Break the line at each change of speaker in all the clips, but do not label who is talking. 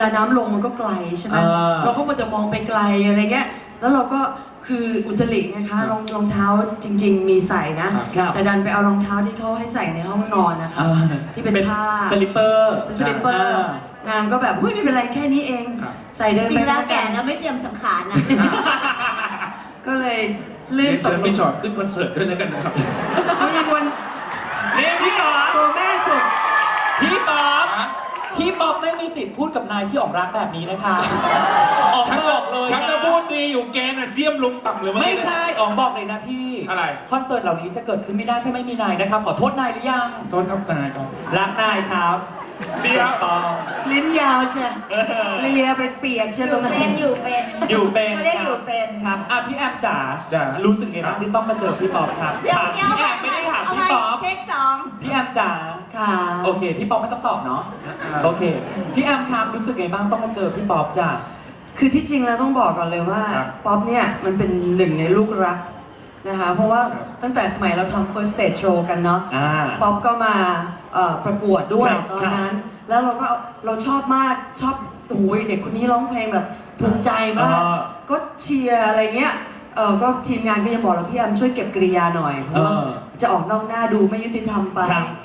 แต่น้ำลงมันก็ไกลใช่ไหมเราก็มัวแต่มองไปไกลอะไรเงี้ยแล้วเราก็คืออุตรินะคะรองเท้าจริงๆมีใส่นะแต่ดันไปเอารองเท้าที่เขาให้ใส่ในห้องนอนนะคะที่เป็นผ้า
สลิปเปอร์
นางก็แบบไม่เป็นไรแค่นี้เองใส่เดินไป
จริงแล้วแก่แล้วไม่เตรียมสังขารนะ
ก็เลยลื่นตก
เชิญพี่จอดขึ้นคอนเสิร์ตด้วยแล้วกันนะครับ
เขายังวัน
นี่พี่ป๊อป
ตัวแม่สุด
พี่ป๊อปไม่มีสิทธิ์พูดกับนายที่ออกรักแบบนี้นะคะออกบอกเลย
ทั้งจะพูดดีอยู่แกน่ะเสี้ยมลงต่ำเลย
ไม่ใช่ออกบอกเลยนะพี่
อะไร
คอนเสิร์ตเหล่านี้จะเกิดขึ้นไม่ได้ถ้าไม่มีนายนะครับขอโทษนายหรือยัง
โทษครับนายครับ
รักนายครับ
เดียว
ลิ้นยาวเชียวเลียเป็นเปียกเชียวตรงนั้น
อยู่เป็นเขาเรียกอยู่เป็น
ครับพี่แอมจ๋ารู้สึกไงบ้างที่ต้องมาเจอพี่ป๊อปครับถามพี่แอมไม่ได้ถามพี่ป๊อป
เทคสอง
พี่แอมจ๋า
ค่ะ
โอเคพี่ป๊อปไม่ต้องตอบเนาะโอเคพี่แอมครับรู้สึกไงบ้างต้องมาเจอพี่ป๊อปจ๋า
คือที่จริงแล้วต้องบอกก่อนเลยว่าป๊อปเนี่ยมันเป็นหนึ่งในลูกรักนะคะเพราะว่าตั้งแต่สมัยเราทำ first stage show กันเนาะป๊อปก็มาประกวดด้วยตอนนั้นแล้วเราชอบมากชอบโอ้ยเด็กคนนี้ร้องเพลงแบบถูกใจมากก็เชียร์อะไรเงี้ยก็ทีมงานก็ยังบอกเราพี่แอมช่วยเก็บกริยาหน่อยเพราะว่าจะออกนอกหน้าดูไม่ยุติธรรมไป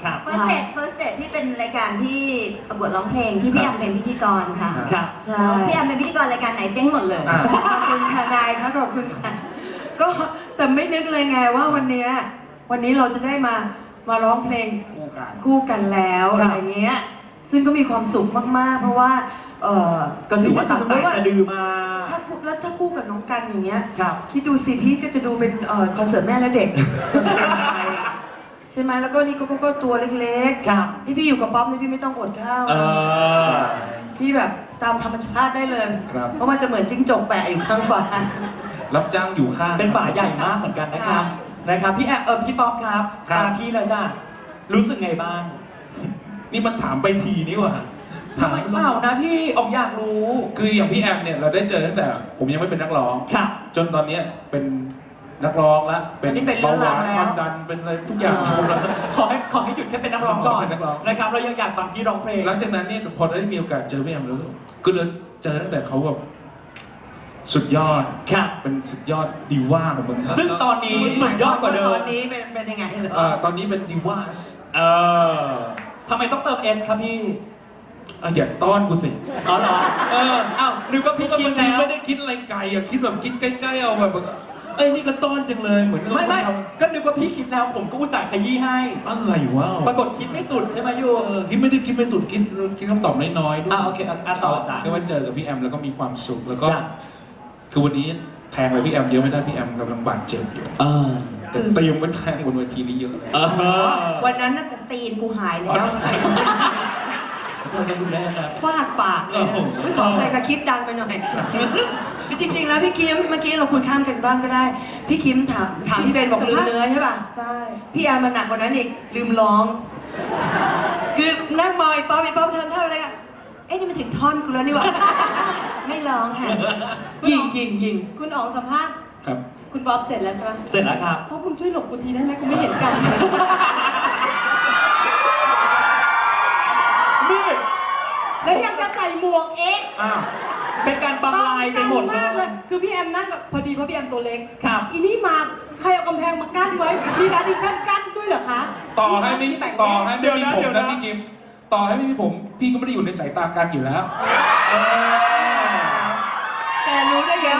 first stage ที่เป็นรายการที่ประกวดร้องเพลงที่พี่แอมเป็นพิธีกรค่ะ
ใช่
พี่แอมเป็นพิธีกรรายการไหนเจ๊งหมดเลย
ขอบคุณค่ะนายค่ะขอบคุณค่ะก็แต่ไม่นึกเลยไงว่าวันนี้เราจะได้มาร้องเพลงคู่กันแล้วอะไรเงี้ยซึ่งก็มีความสุขมากๆเพราะว่า
ก็ถือว่าตัดสายสะดือมา
ถ้าคู่กับน้องกันอย่างเงี้ยคิดดูสิพี่ก็จะดูเป็นคอนเสิร์ตแม่และเด็กใช่ไหมแล้วก็นี่ก็ตัวเล็กๆนี่พี่อยู่กับป๊อปนี่พี่ไม่ต้องอดข้าวพี่แบบตามธรรมชาติได้เลยเพราะมันจะเหมือนจิ้งจกแปะอยู่ข้างฝา
รับจ้างอยู่ข้าง
เป็นฝาใหญ่มากเหมือนกันนะครับพี่แอมพี่ป๊อปครับตามพี่เลยจ้ะรู้สึกไงบ้าง
นี่มันถามไปทีนี่ว่ะ
ทำไมเปล่านะพี่ออกอยากรู้
คืออย่างพี่แอมเนี่ยเราได้เจอตั้งแต่ผมยังไม่เป็นนักร้องจนตอนนี้เป็นนักร้องแล้วเป็นเบาหวานความดันเป็นอะไรทุกอย่าง
ขอให้หยุดแค่เป็นนักร้องก่อนนะครับเรายังอยากฟังพี่ร้องเพลง
หลังจากนั้นเนี่ยพอได้มีโอกาสเจอพี่แอมแล้วก็เลยเจอตั้งแต่เขาแบบสุดยอดเป็นสุดยอดดีว่าของมึงครับ
ซึ่งตอนนี้สุดยอดกว่าเดิม
ตอนนี้เป็นยังไง
ตอนนี้เป็นดีว่า
ทำไมต้องเติม S ครับพี่
อย่าต้อนกูสิ
อ๋อเหรออ้าวนึกว่าพี่คิดแล้ว
ไม่ได้คิดอะไรไกลคิดแบบคิดใกล้ๆเอาแบบนี่ก็ต้อนจังเลยเหมือน
ไม่ก็นึกว่าพี่คิดแล้วผมก็อุตส่าห์ขยี้ให้
อะไรวะ
ปรากฏคิดไม่สุดใช่ไหมยู
คิดไม่สุดคิดคำตอบน้อยๆด้วย
โอเคต่อจ้ะ
แค่ว่าเจอกับพี่แอมแล้วก็มีความสุขแล้วก็คือวันนี้แทงไปพี่แอมเยอะไม่ได้พี่แอมกำลังบาดเจ็บอยู่แต่ตีมไปแทงบนเวทีนี้เยอะเลย
วันนั้นน่ะตีนกูหายแล้วฟาดปากเลยไม่ขอใครค่ะคิดดังไปหน่อยจริงๆแล้วพี่คิมเมื่อกี้เราคุยข้ามกันบ้างก็ได้พี่คิมถามพี่เบนบอกลืมเนื้อใช่ป่ะ
ใช่
พี่แอมมันหนักกว่านั้นอีกลืมร้องคือนั่งมองไอ้ป๊อปทำเท่าอะไรกันนี่มันถึงท่อนกูแล้วนี่หว่าไม่ร้องค่ะยิง
คุณอ๋องสัมภาษณ์
ครับ
คุณป๊อปเสร็จแล้วใช่ไหม
เสร็จแล้วครับ
เพราะคุณช่วยหลบกูทีได้ไหมกูไม่เห็นกัน
นี่
แล้วยังจะใส่หมวก
เป็นการบังลายไปหมด
เลยคือพี่แอมนั่งกับพอดีเพราะพี่แอมตัวเล็ก
ครับ
อีนี่มาใครเอากำแพงมากั้นไว้มีการดิชั่นกั้นด้วยเหรอคะ
ต่อให้ไม่มีผมนะพี่กิมต่อให้ไม่มีผมพี่ก็ไม่ได้อยู่ในสายตากันอยู่แล้ว
แต่รู้ได้เดี๋ยว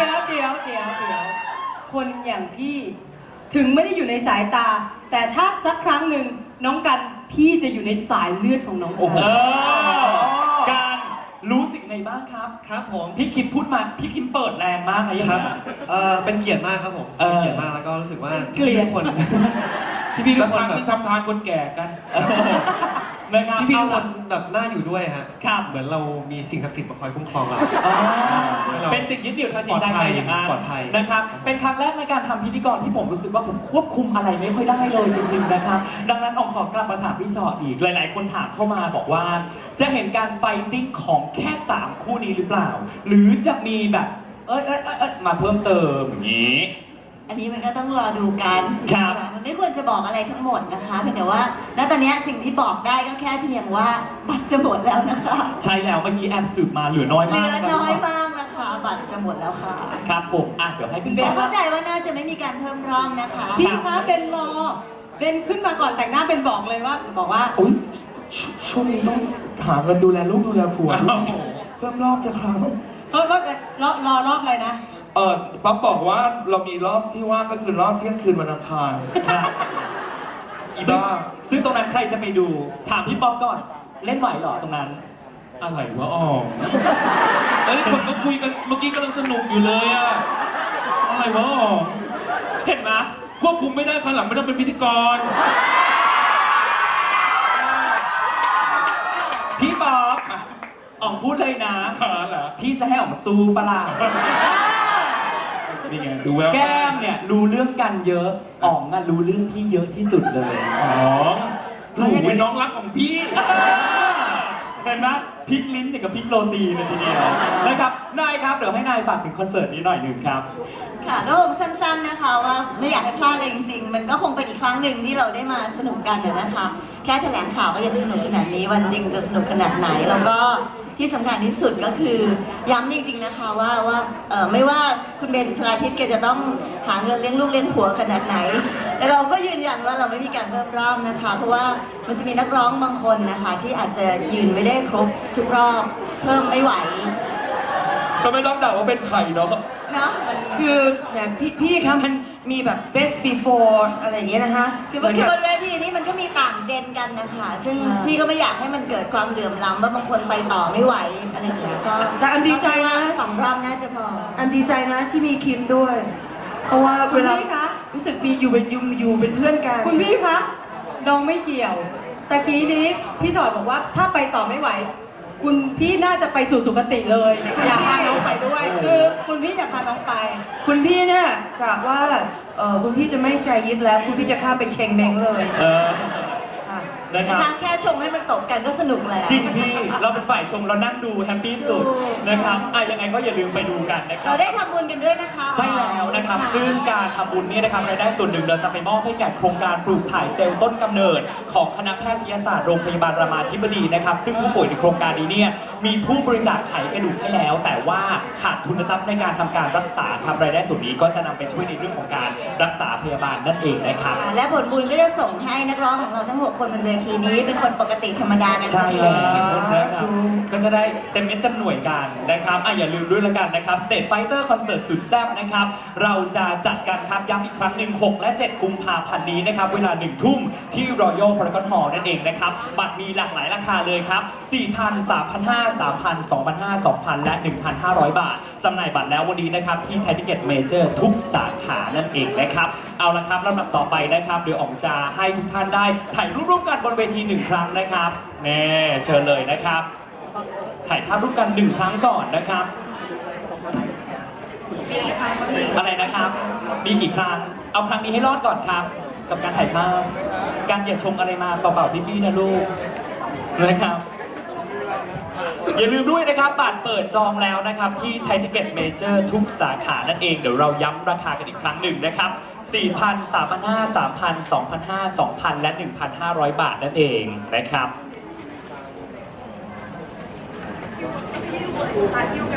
คนอย่างพี่ถึงไม่ได้อยู่ในสายตาแต่ถ้าสักครั้งหนึ่งน้องกันพี่จะอยู่ในสายเลือดของน้อง
การรู้สึกไงบ้างครับ
ครับผม
พี่คิมพูดมาพี่คิมเปิดแรงมากนะ
ครับเป็นเกียรติมากครับผมเป็นเกียรติมากแล้วก็รู้สึกว่า
เกลียด
คน
พี่ทุกคนที่ทำทานคนแก่กัน
พี่ทุกคนแบบน่าอยู่ด้วยฮะเหมือนเรามีสิ่งศักดิ์สิทธิ์มาคอยคุ้มครองเรา
เป็นสิ่งยึดเหนี่ยวทางจิตใจไปอย่างนั้น
ปลอดภัย
นะครับเป็นครั้งแรกในการทำพิธีกรที่ผมรู้สึกว่าผมควบคุมอะไรไม่ค่อยได้เลยจริงๆนะครับดังนั้นขอกลับมาถามพี่ชออีกหลายๆคนถามเข้ามาบอกว่าจะเห็นการไฟติ้งของแค่3คู่นี้หรือเปล่าหรือจะมีแบบมาเพิ่มเติมอย่างนี้
อันนี้มันก็ต้องรอดูกัน
ครับ
มันไม่ควรจะบอกอะไรทั้งหมดนะคะเพียงแต่ว่าณตอนนี้สิ่งที่บอกได้ก็แค่เพียงว่าบัตรจะหมดแล้วนะคะ
ใช่แล้วเมื่อกี้แอบสืบมาเหลือน้อย
เหลื
มาก
อน้อยมากนะคะ บัตรจะหมดแล้วค่ะ
ครับผมเดี๋ยวให้พี่
เบ
ชอน
เข้าใจว่าน่าจะไม่มีการเพิ่มรอบนะคะ
พี่คะเบนรอเบนขึ้นมาก่อนแต่งหน้าเบนบอกเลยว่า
อุ๊ยช่วงนี้ต้องหาเงินดูแลลูกดูแลผัวเพิ่มรอบจะครับ
รอรอบอะไรนะ
ป๊อปบอกว่าเรามีรอบที่ว่างก็คือรอบเที่ยงคืนวันอังคาร
ครับ
จ้า
ซึ่งตรงนั้นใครจะไปดูถามพี่ป๊อปก่อนเล่นไหวเหรอตรงนั้น
อะไรวะอ๋อเอ้ยคนก็คุยกันเมื่อกี้กำลังสนุกอยู่เลยอะอะไรวะอ๋อ
เห็นไหม
ควบคุมไม่ได้ภายหลังไม่ต้องเป็นพิธีกร
พี่ป๊อปอ๋องพูดเลยนะ
เหรอ
พี่จะให้อ๋องสู้ปะล่ะ
นี่ไงดูแวว
แก้มเนี่ยรู้เรื่องกันเยอะอ๋องรู้เรื่องพี่เยอะที่สุดเลย
อ๋อหนูเป็นน้องรักของพี่
เห็นไหมพลิกลิ้นเนี่ยกับพลิกโรตีเลยทีเดียวนะครับนายครับเดี๋ยวให้นายฝากถึงคอนเสิร์ตนี้หน่อยหนึ่งครับ
ค่ะก็คงสั้นๆนะคะว่าไม่อยากให้พลาดเลยจริงๆ มันก็คงเป็นอีกครั้งหนึ่งที่เราได้มาสนุกกันนะคะ แค่แถลงข่าวก็ยังสนุกขนาดนี้วันจริงจะสนุกขนาดไหนแล้วก็ที่สำคัญที่สุดก็คือย้ำจริงๆนะคะว่าไม่ว่าคุณเบนชลาทิพย์แกจะต้องหาเงินเลี้ยงลูกเลี้ยงผัวขนาดไหน แต่เราก็ยืนยันว่าเราไม่มีการเพิ่มรอบนะคะ เพราะว่ามันจะมีนักร้องบางคนนะคะ ที่อาจจะยืนไม่ได้ครบทุกรอบเพิ่มไม่ไหว
ก็ไม่ต้องด่าว่าเป็นไข่เนาะ
เนาะ
คือแบบพี่คะมันมีแบบ best before อะไรอย่างเงี้ยนะคะ
คือบนเวทีนี้มันก็มีต่างเจนกันนะคะ ซึ่งพี่ก็ไม่อยากให้มันเกิดความเหลื่อมล้ำว่าบางคนไปต่อไม่ไหวอะไรอย่างเงี้ยก็
แต่อันดีใจนะ
สองรอบน่าจะพอ
อันดีใจนะที่มีคิมด้วย เพราะว่า
คุ
เว
ณ
ลา
พี่คะ
รู้สึกมีอยู่เป็นเพื่อนกัน
คุณพี่คะน้องไม่เกี่ยวตะกี้นี้พี่ชอดบอกว่าถ้าไปต่อไม่ไหว คุณพี่น่าจะไปสู่สุคติเลยอยากพาน้องไปด้วยคือคุณพี่อยากพาน้องไป
คุณพี่เนี่ยกะว่าคุณพี่จะไม่แชร์ยิดแล้ว คุณพี่จะข้ามไปเชงเมงเลย ค่ะ
นะครับ
แค่ชมให้มันตกกันก็สนุกแล้ว
จริงพี่เราเป็นฝ่ายชมเรานั่งดูแฮปปี้สุดนะครับยังไงก็อย่าลืมไปดูกันนะครั
เรา
บ
ได้ทำบุญกันด้วยนะคะ
ใช่แล้วนะครับ ซึ่งการทำบุญเนี่ยนะครับรายได้ส่วนหนึ่งเราจะไปมอบให้แก่โครงการปลูกถ่ายเซลล์ต้นกำเนิด ของคณะแพทยศาสตร์โรงพยาบาลรามาธิบดีนะครับ ซึ่งผู้ป่วยในโครงการนี้เนี่ยมีผู้บริจาคไขกระดูกให้แล้ว แต่ว่าขาดทุนทรัพย์ในการทำการรักษาครับรายได้ส่วนนี้ก็จะนำไปช่วยในเรื่องของการรักษาพยาบาลนั่นเองนะครับ
และผลบุญก็จะส่งให้นักร้องของเราทั้ง 6 คนบนเวทีนี้เป็นคนปกติธรรมดากัน
ใช่
ที
แล้วนะครับก็จะได้เต็มเม็ดเต็มหน่วยกันนะครับอย่าลืมด้วยละกันนะครับ State Fighter Concert สุดแซ่บนะครับ เราจะจัดกันครับย้ำอีกครั้งหนึ่ง6 และ 7 กุมภาพันธ์นี้นะครับ เวลา 1 ทุ่มที่ Royal Paragon Hall นั่นเองนะครับ บัตรมีหลากหลายราคาเลยครับ 4,000 3,500 3,000 2,500 2,000 และ 1,500 บาทจำหน่ายบัตรแล้ววันนี้นะครับที่ Thai Ticket Major ทุกสาขานั่นเองนะครับ เอาละครับลำดับต่อไปนะครับเดี๋ยวอ๋องจะให้ทุกท่านได้ถ่ายรูปร่วมกันบนเวที1 ครั้งนะครับแน่เชิญเลยนะครับ ถ่ายภาพร่วมกัน1 ครั้งก่อนนะครับอะไรนะครับ มีกี่ครั้ง เอาครั้งนี้ให้รอดก่อนครับ กับการถ่ายภาพการอย่าชงอะไรมาเปล่าๆพี่ๆนะลูกนะครับ อย่าลืมด้วยนะครับบัตรเปิดจองแล้วนะครับที่ Thai Ticket Major ทุกสาขานั่นเองเดี๋ยวเราย้ำราคากันอีกครั้งหนึ่งนะครับ 4,000 3,500 3,000 2,500 2,000 และ 1,500 บาทนั่นเองนะครับ